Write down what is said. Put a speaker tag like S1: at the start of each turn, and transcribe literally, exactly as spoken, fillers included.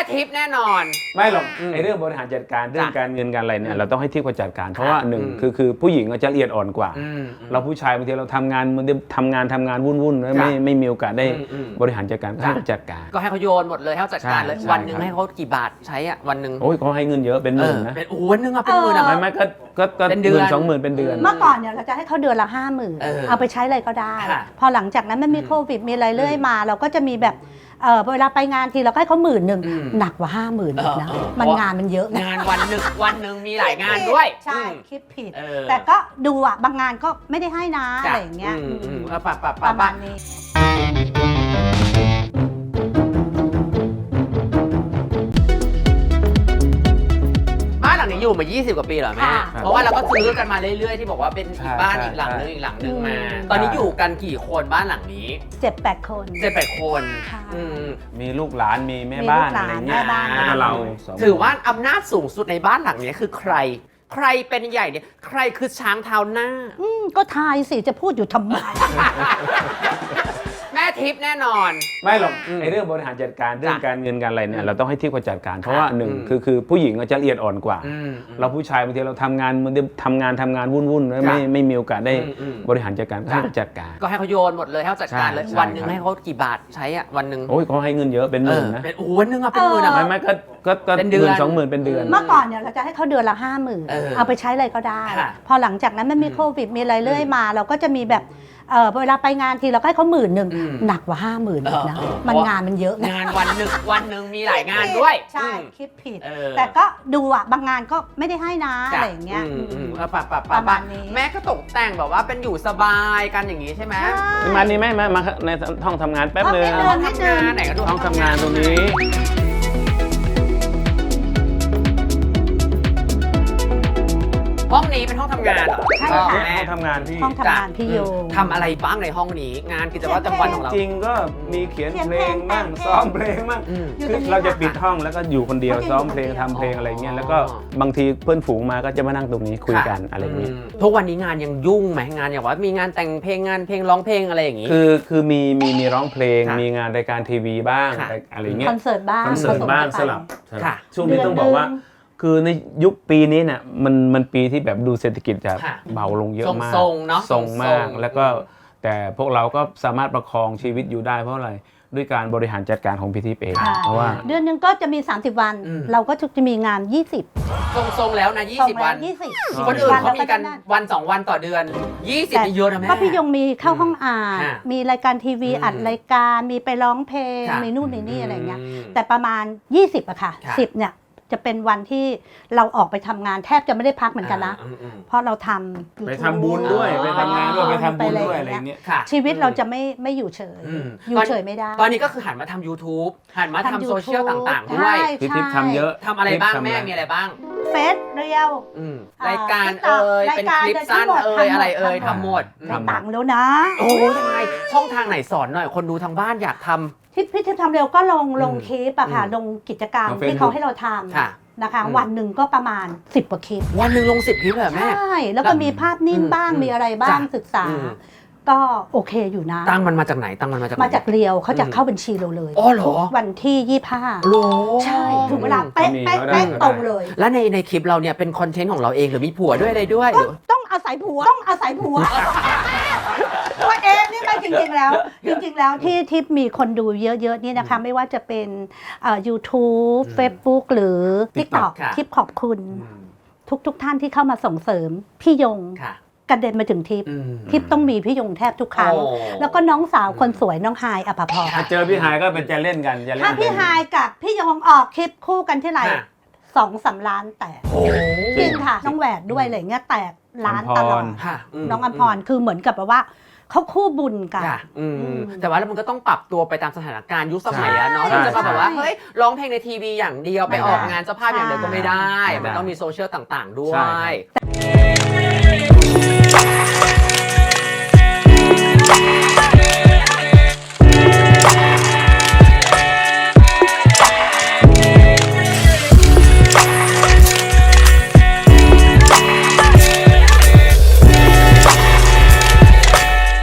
S1: ทิปแน่นอน
S2: ไม่หรอกไอ้เรื่องบริหารจัดการเรื่องการเงินการอะไรเนี่ยเราต้องให้ทิปเขาจัดการเพราะว่าหนึ่งคือคือผู้หญิงจะละเอียดอ่อนกว่าเราผู้ชายบางทีเราทำงานมันทำงานทำงานวุ่นๆไม่ไม่มีโอกาสได้บริหารจัดการก็ให้จัดการ
S1: ก็ให้เขาโยนหมดเลยให้เขาจัดการเลยวันหนึ่งให้เขากี่บาทใช้อะวันหนึ่ง
S2: โอ้ยเขาให้เงินเยอะเป็นหมื่นนะ
S1: เป็นโอ้วันหนึ่งอะเป็นหมื่นอะ
S2: ไม่ไม่ก็ก็เป็นเดือนสองหมื่นเป็นเดือน
S3: เมื่อก่อนเนี่ยเราจะให้เขาเดือนละห้าหมื่นเอาไปใช้อะไรก็ได้พอหลังจากนั้นมันมีโควิดมีอะไรเรื่อยมาเราก็จะมีแบบเออเวลาไปงานทีเราก็ให้เขาหมื่นหนึ่งหนักกว่าห้าหมื่นอีกนะมันงานมันเยอะ
S1: งานวันหนึ่งวันหนึ่งมีหลายงานด้วย
S3: ใช่คิดผิดแต่ก็ดูอ่ะบางงานก็ไม่ได้ให้นะอะไรอย่างเงี้ยประมาณนี้
S1: บ้านหลังนี้อยู่มายี่สิบกว่าปีเหรอแม่เพราะว่าเราก็ซื้อกันมาเรื่อยๆที่บอกว่าเป็นอีกบ้านอีกหลังนึงอีกหลังนึงมาตอนนี้อยู่กันกี่คนบ้านหลังนี้
S3: เจ็ดแปดคน
S1: เจ็ดแปดคน
S2: มีลูกหลานมีแม่บ้านอะไรเงี้ยแล้วก็เรา
S1: ถือว่าอำนาจสูงสุดในบ้านหลังนี้คือใครใครเป็นใหญ่เนี่ยใครคือช้างเท้าหน้า
S3: ก็ทายสิจะพูดอยู่ทำไม
S1: แม่ทิปแน่นอน
S2: ไม่หรอกไอ้เรื่องบริหารจัดการเรื่องการเงินการอะไรเนี่ยเราต้องให้ทิปเขาจัดการเพราะว่าหนึ่งคือคือผู้หญิงจะละเอียดอ่อนกว่าเราผู้ชายบางทีเราทำงานมันทำงานทำงานวุ่นๆไม่ไม่มีโอกาสได้บริหารจัดการก็ให้จัดการ
S1: ก็ให้เขาโยนหมดเลยให้เขาจัดการเลยวันหนึ่งให้เขากี่บาทใช้อะวันหนึ่ง
S2: โอ้ยเขาให้เงินเยอะเป็นหมื่นนะ
S1: เป็นโอ้วันหนึ่งอะเป็นหมื่นอะ
S2: ไม่ไม่ก็ก็เป็นเดือนสองหมื่นเป็นเดือน
S3: เมื่อก่อนเนี่ยเราจะให้เขาเดือนละห้าหมื่นเอาไปใช้อะไรก็ได้พอหลังจากนั้นมันมีโควิดมีอะไรเรื่อยมาเราก็จะมีแบบเออเวลาไปงานทีเราก็ให้เขาหมื่นหนึ่งหนักกว่าห้าหมื่นอีกนะมันงานมันเยอะ
S1: งานวันหนึ่งวันหนึ่งมีหลายงานด้วย
S3: ใช่คิดผิดแต่ก็ดูอ่ะบางงานก็ไม่ได้ให้นะอะไรอย่างเงี้ย
S1: ประมาณนี้แม่ก็ตกแต่งแบบว่าเป็นอยู่สบายกันอย่างนี้ใช่ไหม
S2: มานี่แม่มาในห้องทำงานแป๊บนึง
S1: ห้องทำงานไหนก็ดู
S2: ห้องทำงานตรงนี้
S1: ห้องนี้เป็นห้องทำงานเหรอ
S3: ใช่ค่ะ
S2: ห้องทำงานพี่
S3: ห้องทำงานพี่โย
S1: ทำอะไรบ้างในห้องนี้งานกิจวัตรประจำวันของเรา
S2: จริงก็มีเขียนเพลงบ้างซ้อมเพลงบ้างคือเราจะปิดห้องแล้วก็อยู่คนเดียวซ้อมเพลงทำเพลงอะไรเงี้ยแล้วก็บางทีเพื่อนฝูงมาก็จะมานั่งตรงนี้คุยกันอะไรเงี้ย
S1: ทุกวันนี้งานยังยุ่งไหมงานอย่างว่ามีงานแต่งเพลงงานเพลงร้องเพลงอะไรอย่างงี้
S2: คือคือมีมีมีร้องเพลงมีงานรายการทีวีบ้างอะไรเงี้ย
S3: คอนเสิร์ตบ้าง
S2: คอนเสิร์ตบ้างสลับช่วงนี้ต้องบอกว่าคือในยุคปีนี้เนี่ยมันมันปีที่แบบดูเศรษฐกิจจะเบาลงเยอะมาก
S1: ทรงเนาะ
S2: ทรงมากแล้วก็แต่พวกเราก็สามารถประคองชีวิตอยู่ได้เพราะอะไรด้วยการบริหารจัดการของพี่ทิพย์เองเพราะว่า
S3: เดือนนึงก็จะมีสามสิบวันเราก็จะมีงานยี่สิบ
S1: ทรงๆแล้วนะยี่สิบวันคนอื่นเขามีกันวันสองวันต่อเดือนยี่สิบนี่เยอะนะแม่
S3: ก็พี่ยงมีเข้าห้องอ่านมีรายการทีวีอัดรายการมีไปร้องเพลงมีนู่นมีนี่อะไรเงี้ยแต่ประมาณยี่สิบอะค่ะสิบเนี่ยจะเป็นวันที่เราออกไปทำงานแทบจะไม่ได้พักเหมือนกันนะเพราะเราทำ
S2: ไปทำบุญด้วยไปทำงานด้วยไปทำบุญด้วยอะไรเงี้ย
S3: ชีวิตเราจะไม่ไม่อยู่เฉยอยู่เฉยไม่ได้
S1: ตอนนี้ก็คือหันมาทำ YouTube หันมาทำโซเชียลต่างๆด้วย
S2: พี่ทิพย์ทำเยอะ
S1: ทำอะไรบ้างแม่มีอะไรบ้าง
S3: เฟซเรียว
S1: รายการเอ่ยเป็นคลิปสั้นเอ่ยอะไรเอ่ยทำหมด
S3: ทำตังค์แล้วนะ
S1: โอ้ยังไงช่องทางไหนสอนหน่อยคนดูทางบ้านอยากทำ
S3: ที่พี่ทิพย์ทำเร็วก็ลงลงคลิปอะค่ะลงกิจกรรมที่เขาให้เราทำนะคะวันหนึ่งก็ประมาณสิบกว่าคลิป
S1: วันหนึ่งลงสิบคลิปเหรอแม่
S3: ใช่แล้วก็มีภาพนิ่งบ้างมีอะไรบ้างศึกษาก็โอเคอยู่นะ
S1: ตั้งมันมาจากไหนตั้งมันมาจาก
S3: มาจากเรียวเขาจะเข้าบัญชีเราเลย
S1: อ๋อเหรอ
S3: วันที่ยี่สิบห้า
S1: โอ้
S3: ใช่ถึงเวลาเป๊ะเป๊ะเป๊ะตรงเลย
S1: แล้วในในคลิปเราเนี่ยเป็นคอนเทนต์ของเราเองหรือมีผัวด้วยอะไรด้วย
S3: ต้องอาศัยผัวต้องอาศัยผัวตัวเองนี่ไม่จริงๆแล้วจริงๆแล้วที่ที่มีคนดูเยอะๆนี่นะคะไม่ว่าจะเป็นยูทูบเฟซบุ๊กหรือ ติ๊กต็อก คลิปขอบคุณทุกๆท่านที่เข้ามาส่งเสริมพี่ยงกระเด็นมาถึงทิพย์ทิพย์ต้องมีพี่ยงแทบทุกครั้งแล้วก็น้องสาวคนสวยน้องไฮอภพร
S2: ถ้าเจอพี่ไฮก็เป็นจะเล่นกัน
S3: ถ้าพี่ไฮกับพี่ยงออกคลิปคู่กันที่ไหนสองสามล้านแตกจริงค่ะน้องแหวนด้วยอะไรเงี้ยแตกล้านตลอดน้องอัมพรคือเหมือนกับว่าเขาคู่บุญกัน
S1: แต่ว่าแล้วมันก็ต้องปรับตัวไปตามสถานการณ์ยุคสมัยอะเนาะเราจะมาแบบว่าเฮ้ยร้องเพลงในทีวีอย่างเดียวไปออกงานเจ้าภาพอย่างเดียวก็ไม่ได้มันต้องมีโซเชียลต่างๆด้วย